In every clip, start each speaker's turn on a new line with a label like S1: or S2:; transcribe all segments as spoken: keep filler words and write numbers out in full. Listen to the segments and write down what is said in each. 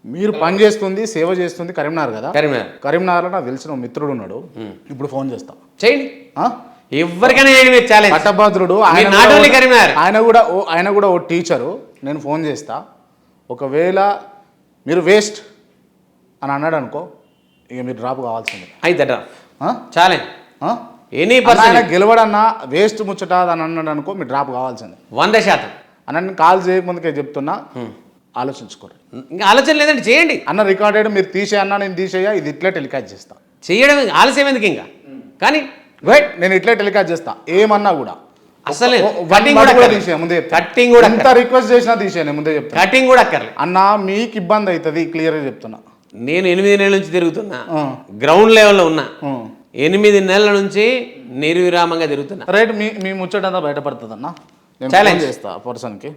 S1: మీరు పని చేస్తుంది సేవ చేస్తుంది కరీంనగర్ కదా?
S2: కరీంనగర్.
S1: కరీంనగర్లో నాకు తెలిసిన ఒక మిత్రుడు ఉన్నాడు, ఇప్పుడు ఫోన్ చేస్తా.
S2: చేయండి,
S1: ఆ?
S2: ఎవరికైనా చేయండి మీరు ఛాలెంజ్.
S1: పట్టభద్రుడు ఆయన
S2: నాట్ ఓన్లీ
S1: కూడా-
S2: కరీంనగర్.
S1: ఆయన కూడా ఓ ఆయన కూడా ఓ టీచరు. నేను ఫోన్ చేస్తా, ఒకవేళ మీరు వేస్ట్ అని అన్నాడు అనుకో, ఇక మీరు డ్రాప్ కావాల్సిందే.
S2: అయితే డ్రాప్
S1: ఆ?
S2: ఛాలెంజ్
S1: ఆ?
S2: ఎనీ
S1: అన్న
S2: పర్సన్
S1: ఆయన గెలవడన్నా వేస్ట్ ముచ్చట అని అన్నాడు అనుకో, మీరు డ్రాప్ కావాల్సిందే.
S2: వంద శాతం.
S1: అన్న నేను కాల్ చేయకముందుకే చెప్తున్నా, ఆలోచించుకోరు.
S2: ఇంకా ఆలోచన లేదండి, చేయండి.
S1: అన్న రికార్డెడ్ మీరు తీసే అన్న నేను తీసేయ, ఇది ఇట్లే టెలికాస్ట్ చేస్తా.
S2: చేయడం ఆలస్యం ఎందుకు ఇంకా, కానీ
S1: వెయిట్ నేను ఇట్లే టెలికాస్ట్ చేస్తా ఏమన్నా కూడా.
S2: అసలు
S1: ఓ- వన్
S2: కటింగ్
S1: మాట
S2: కూడా
S1: కూడా
S2: అక్కర్లేదు.
S1: తీసేయ ముందే చెప్తా.
S2: కటింగ్ కూడా
S1: ఎంత రిక్వెస్ట్ చేసినా తీసేయ ముందే చెప్తా.
S2: కటింగ్ కూడా అక్కర్లేదు.
S1: అన్న మీకు ఇబ్బంది అవుతుంది, క్లియర్గా చెప్తున్నా.
S2: నేను ఎనిమిది నెలల నుంచి తిరుగుతున్నా,
S1: ఆ.
S2: గ్రౌండ్ లెవెల్లో ఉన్నా.
S1: ఆ.
S2: ఎనిమిది నెలల నుంచి నిర్విరామంగా తిరుగుతున్నా.
S1: రైట్, మీ మీ ముచ్చటంతా బయటపడుతుంది అన్న. నేను
S2: Challenge.
S1: ఫోన్ చేస్తా ఆ పర్సన్కి.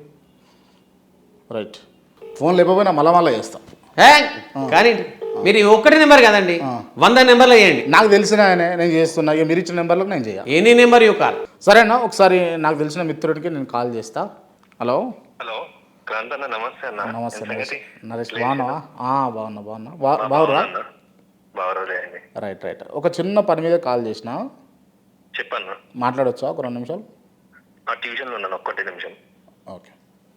S1: రైట్, ఫోన్ లేకపోయినా మళ్ళా మళ్ళీ చేస్తా.
S2: ఏ? కానీ మీరు ఈ ఒక్కటి నెంబర్ కదండి, వంద నెంబర్లు వేయండి.
S1: నాకు తెలిసిన ఆయనే నేను చేస్తున్నా, ఇక మీరు ఇచ్చిన నెంబర్లకు నేను చేయాలి.
S2: Any number you call.
S1: సరేనా, ఒకసారి నాకు తెలిసిన మిత్రుడికి నేను కాల్ చేస్తా. హలో
S3: హలో క్రాంత్ అన్న, నమస్తే అన్న.
S1: నమస్తే
S3: ఏం
S1: నరేష్.
S3: సంగతి?
S1: నరేష్ బాగున్నావా? ఆ, బాగున్నా బాగున్నా బా బాగురా
S3: అన్న, బావరాలే అండి.
S1: రైట్ రైట్ ఒక చిన్న పని మీద కాల్ చేసిన,
S3: చెప్పన్న.
S1: మాట్లాడొచ్చా ఒక రెండు నిమిషాలు?
S3: ఆ ట్యూషన్లో ఉన్నాను, ఒక్కటే నిమిషం.
S1: Okay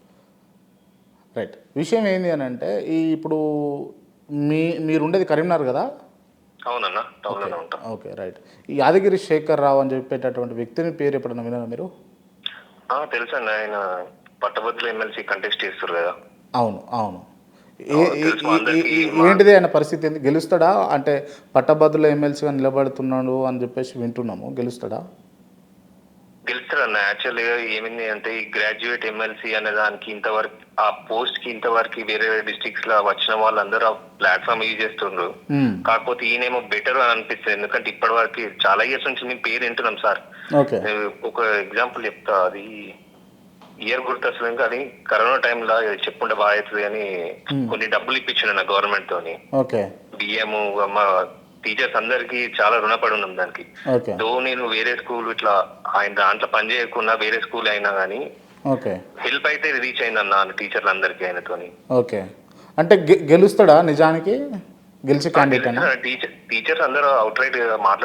S1: right. విషయం ఏంటి అని అంటే, ఈ ఇప్పుడు మీ మీరు ఉండేది కరీంనగర్ కదా?
S3: అవునన్న, టౌన్లోనే ఉంటాం.
S1: Okay right. ఈ యాదగిరి శేఖర్ రావు అని చెప్పేటటువంటి వ్యక్తిని పేరు ఎప్పుడన్నా విన్నారా మీరు?
S3: ఆ, తెలుసు అన్న, ఆయన పట్టభద్రుల ఎమ్మెల్సీ కంటెస్ట్ చేస్తారు కదా.
S1: అవును అవును. ఏ-
S3: అవును,
S1: ఏ-
S3: తెలుసు,
S1: ఏ-
S3: అందరికీ
S1: ఏ-
S3: మా-
S1: ఏంటిది ఆయన పరిస్థితి ఏంది? గెలుస్తాడా అంటే పట్టభద్రుల ఎమ్మెల్సీగా నిలబడుతున్నాడు అని చెప్పేసి వింటున్నాము, గెలుస్తాడా?
S3: గెలుస్తారన్న. యాక్చువల్గా ఏమైంది అంటే, ఈ గ్రాడ్యుయేట్ ఎమ్మెల్సీ అనే దానికి ఇంతవరకు ఆ పోస్ట్ కి ఇంతవరకు వేరే వేరే డిస్ట్రిక్ట్స్ లో వచ్చిన వాళ్ళందరూ ఆ ప్లాట్ఫామ్ యూజ్ చేస్తుండ్రు.
S1: మ్మ్.
S3: కాకపోతే ఈయనేమో బెటర్ అని అనిపిస్తుంది, ఎందుకంటే ఇప్పటి వరకు చాలా ఇయర్స్ నుంచి మేము పేరు వింటున్నాం సార్.
S1: ఓకే
S3: ఒక ఎగ్జాంపుల్ చెప్తా, అది ఇయర్ గుర్తొస్తుంది ఇంకా, అది కరోనా టైంలో చెప్పుంటే బాగా అవుతుంది అని కొన్ని డబ్బులు ఇప్పించాను నా గవర్నమెంట్ తోని.
S1: ఓకే
S3: బియ్యము, మా టీచర్స్ అందరికి చాలా రుణపడి ఉన్నాం దానికి.
S1: ఓకే
S3: తో నేను వేరే స్కూల్ ఇట్లా ఆయన దాంట్లో పని చేయకుండా వేరే స్కూల్ అయినా కానీ
S1: ఓకే
S3: హెల్ప్ అయితే రీచ్ అయిందన్న టీచర్లు అందరికి ఆయనతోని.
S1: ఓకే అంటే గె- గెలుస్తాడా నిజానికి? గెలిచే క్యాండిడేట్ అన్న?
S3: టీచర్ టీచర్స్ అందరూ అవుట్ రైట్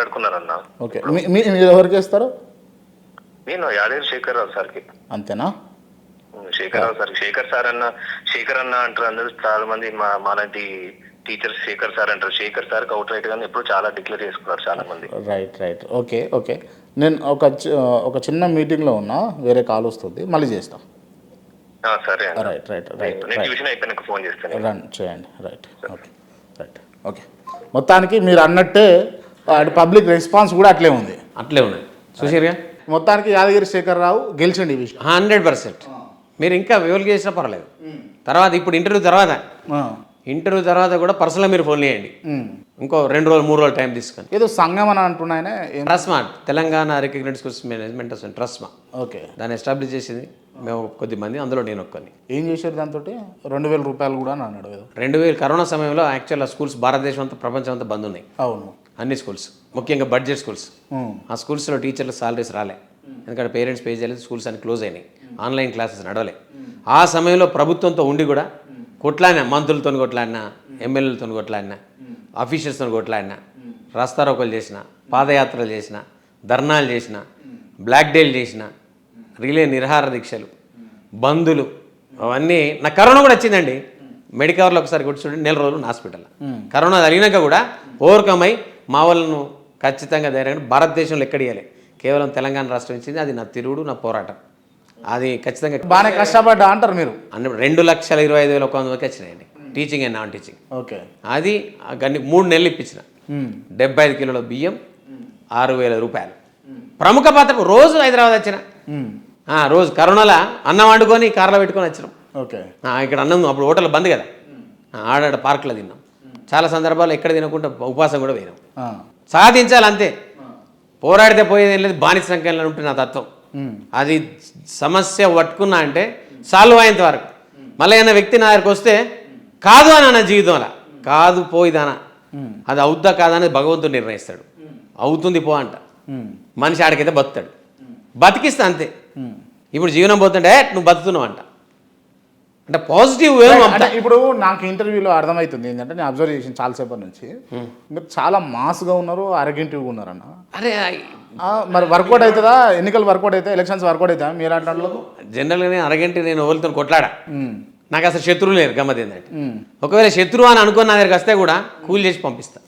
S3: పబ్లిక్ రెస్పాన్స్ కూడా అట్లే ఉంది.
S2: అట్లే ఉన్నాయి చూసారుగా.
S1: మొత్తానికి యాదగిరి శేఖర్ రావు గెలిచండి ఈ విషయం.
S2: Hundred percent. మీరు ఇంకా వివల్ చేసినా పర్వాలేదు. తర్వాత ఇప్పుడు ఇంటర్వ్యూ తర్వాత
S1: ఆ.
S2: ఇంటర్వ్యూ తర్వాత కూడా పర్సనల్గా మీరు ఫోన్ చేయండి.
S1: ఉమ్.
S2: ఇంకో రెండు రోజులు మూడు రోజులు టైం తీసుకొని.
S1: ఏదో సంఘం అని అంటున్నాయనే.
S2: TRSMA, Telangana recognised schools management అసలు ట్రస్మా,
S1: ఓకే
S2: దాన్ని ఎస్టాబ్లిష్ చేసింది మేము కొద్ది మంది, అందులో నేను ఒక్కని.
S1: ఏం చేశారు దాంతో? రెండు వేల రూపాయలు కూడా అని అన్నాడు ఏదో.
S2: రెండు వేలు కరోనా సమయంలో యాక్చువల్ ఆ స్కూల్స్ భారతదేశం అంతా ప్రపంచం అంతా బంద్ ఉన్నాయి,
S1: అవును.
S2: అన్ని స్కూల్స్, ముఖ్యంగా బడ్జెట్ స్కూల్స్.
S1: ఉమ్.
S2: ఆ స్కూల్స్లో టీచర్ల సాలరీస్ రాలే, ఎందుకంటే పేరెంట్స్ పే చేయలేదు, స్కూల్స్ అన్ని క్లోజ్ అయినాయి, ఆన్లైన్ క్లాసెస్ నడవలే. ఆ సమయంలో ప్రభుత్వంతో ఉండి కూడా కొట్లాడినా, మంత్రులతో కొట్లాడినా, ఎమ్మెల్యేలతో కొట్లాడినా, ఆఫీషియల్స్తో కొట్లాడినా, రాస్తారోకలు చేసిన, పాదయాత్రలు చేసిన, ధర్నాలు చేసిన, బ్లాక్ డేలు చేసిన, రిలే నిరహార దీక్షలు, బంధులు, అవన్నీ. నాకు కరోనా కూడా వచ్చిందండి, మెడికవర్లో ఒకసారి కూర్చుంటే నెల రోజులు హాస్పిటల్. కరోనా జరిగినాక కూడా ఓవర్కమ్ అయి మా వాళ్ళను ఖచ్చితంగా ధైర్యంగా భారతదేశంలో ఎక్కడియాలి, కేవలం తెలంగాణ రాష్ట్రం ఇచ్చింది. అది నా తిరుగుడు, నా పోరాటం. అది ఖచ్చితంగా
S1: బాగానే కష్టపడ్డా అంటారు మీరు.
S2: అన్ని రెండు లక్షల ఇరవై ఐదు వేల ఒక వంద వరకు వచ్చినాయండి, teaching and non teaching.
S1: Okay.
S2: అది గన్ని మూడు నెలలు ఇప్పించిన.
S1: ఉమ్.
S2: డెబ్బై ఐదు కిలోల బియ్యం, ఆరు వేల రూపాయలు. ప్రముఖ పాత్ర రోజు హైదరాబాద్ వచ్చిన,
S1: ఉమ్.
S2: ఆ, రోజు కరోనాలో అన్నం వండుకొని కార్లో పెట్టుకొని వచ్చినాం.
S1: ఓకే.
S2: ఆ, ఇక్కడ అన్నం అప్పుడు హోటల్ బంద్ కదా, ఆ, ఆడాడ పార్కులో తిన్నాం. చాలా సందర్భాలు ఎక్కడ తినకుండా ఉపవాసం కూడా పోయినాం.
S1: ఆ.
S2: సాధించాలి అంతే, పోరాడితే పోయేది ఏం లేదు, బానిస సంఖ్యలో ఉంటుంది నా తత్వం.
S1: ఉమ్.
S2: అది సమస్య పట్టుకున్నా అంటే సాల్వ్ అయ్యేంత వరకు. మళ్ళీ ఏమైనా వ్యక్తి నా దగ్గరికి వస్తే కాదు అని నా జీవితంలో కాదు పోయిదానా, అది అవుద్దా కాదా అనేది భగవంతుడు నిర్ణయిస్తాడు. అవుతుంది పో అంట, మనిషి ఆడికైతే బతుతాడు, బతికిస్తా అంతే. ఇప్పుడు జీవనం పోతుంటే నువ్వు బతుకుతున్నావు అంట, అంటే పాజిటివ్
S1: అంటే ఇప్పుడు నాకు ఇంటర్వ్యూలో అర్థమవుతుంది ఏంటంటే నేను అబ్జర్వ్ చేసిన చాలాసేపటి నుంచి మీరు చాలా మాస్గా ఉన్నారు, అరగెంటివ్గా ఉన్నారన్న.
S2: అరే
S1: ఆ, మరి వర్కౌట్ అవుతుందా? ఎన్నికలు వర్కౌట్ అవుతాయి, ఎలక్షన్స్ వర్కౌట్ అవుతాయి మీరు అట్లాంటి?
S2: జనరల్గానే అరగంట నేను ఎవరితో కొట్లాడా, నాకు అసలు శత్రువు లేరు. గమ్మత్ ఏంటంటే ఒకవేళ శత్రువు అని అనుకున్న నా దగ్గరికి వస్తే కూడా కూల్ చేసి పంపిస్తా.